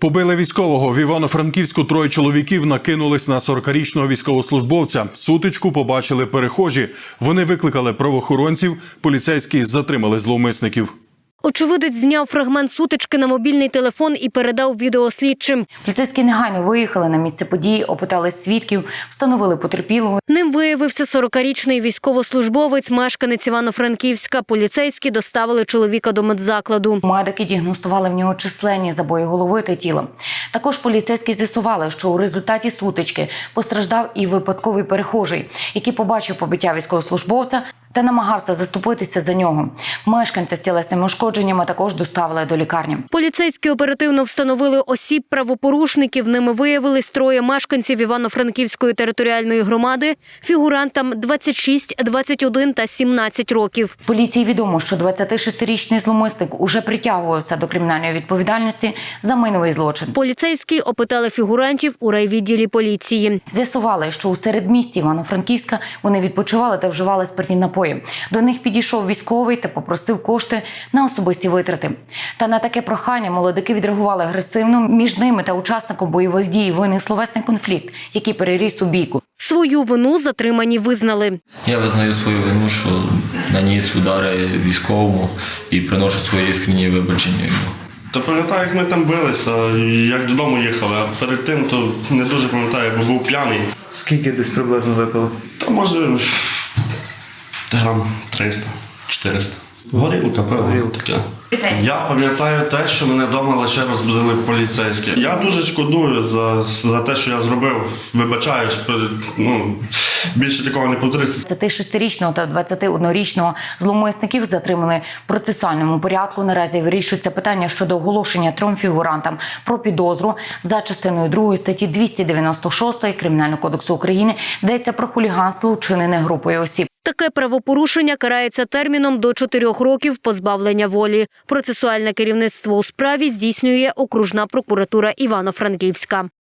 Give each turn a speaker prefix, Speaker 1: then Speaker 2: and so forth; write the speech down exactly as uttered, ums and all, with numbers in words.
Speaker 1: Побили військового. В Івано-Франківську троє чоловіків накинулись на сорокарічного військовослужбовця. Сутичку побачили перехожі. Вони викликали правоохоронців, поліцейські затримали зловмисників.
Speaker 2: Очевидець зняв фрагмент сутички на мобільний телефон і передав відео слідчим.
Speaker 3: Поліцейські негайно виїхали на місце події, опитали свідків, встановили потерпілого.
Speaker 2: Ним виявився сорокарічний військовослужбовець, мешканець Івано-Франківська. Поліцейські доставили чоловіка до медзакладу.
Speaker 3: Медики діагностували в нього численні забої голови та тіла. Також поліцейські з'ясували, що у результаті сутички постраждав і випадковий перехожий, який побачив побиття військовослужбовця та намагався заступитися за нього. Мешканця з тілесними ушкодженнями також доставили до лікарні.
Speaker 2: Поліцейські оперативно встановили осіб правопорушників. Ними виявились троє мешканців Івано-Франківської територіальної громади, фігурантам двадцять шість, двадцять один та сімнадцять років.
Speaker 3: Поліції відомо, що двадцятишестирічний зловмисник уже притягувався до кримінальної відповідальності за майновий злочин.
Speaker 2: Поліцейські опитали фігурантів у райвідділі поліції.
Speaker 3: З'ясували, що у середмісті Івано-Франківська вони відпочивали та вживали спиртні напої. До них підійшов військовий та попросив кошти на особисті витрати. Та на таке прохання молодики відреагували агресивно. Між ними та учасником бойових дій виник словесний конфлікт, який переріс у бійку.
Speaker 2: Свою вину затримані визнали.
Speaker 4: Я визнаю свою вину, що наніс удари військовому і приношу свої іскренні вибачення йому.
Speaker 5: Та пам'ятаю, як ми там билися, як додому їхали, а перед тим то не дуже пам'ятаю, бо був п'яний.
Speaker 6: Скільки десь приблизно випили?
Speaker 5: Та може грам триста чотириста. Горілка, певно, таке. Я пам'ятаю те, що мене вдома лише розбудили поліцейські. Я дуже шкодую за, за те, що я зробив. Вибачаюсь, ну, більше такого не повториться.
Speaker 3: двадцятишестирічного та двадцятиоднорічного зловмисників затримали в процесуальному порядку. Наразі вирішується питання щодо оголошення трьом фігурантам про підозру за частиною другої статті двісті дев'яносто шість Кримінального кодексу України. Йдеться про хуліганство, вчинене групою осіб.
Speaker 2: Таке правопорушення карається терміном до чотирьох років позбавлення волі. Процесуальне керівництво у справі здійснює окружна прокуратура Івано-Франківська.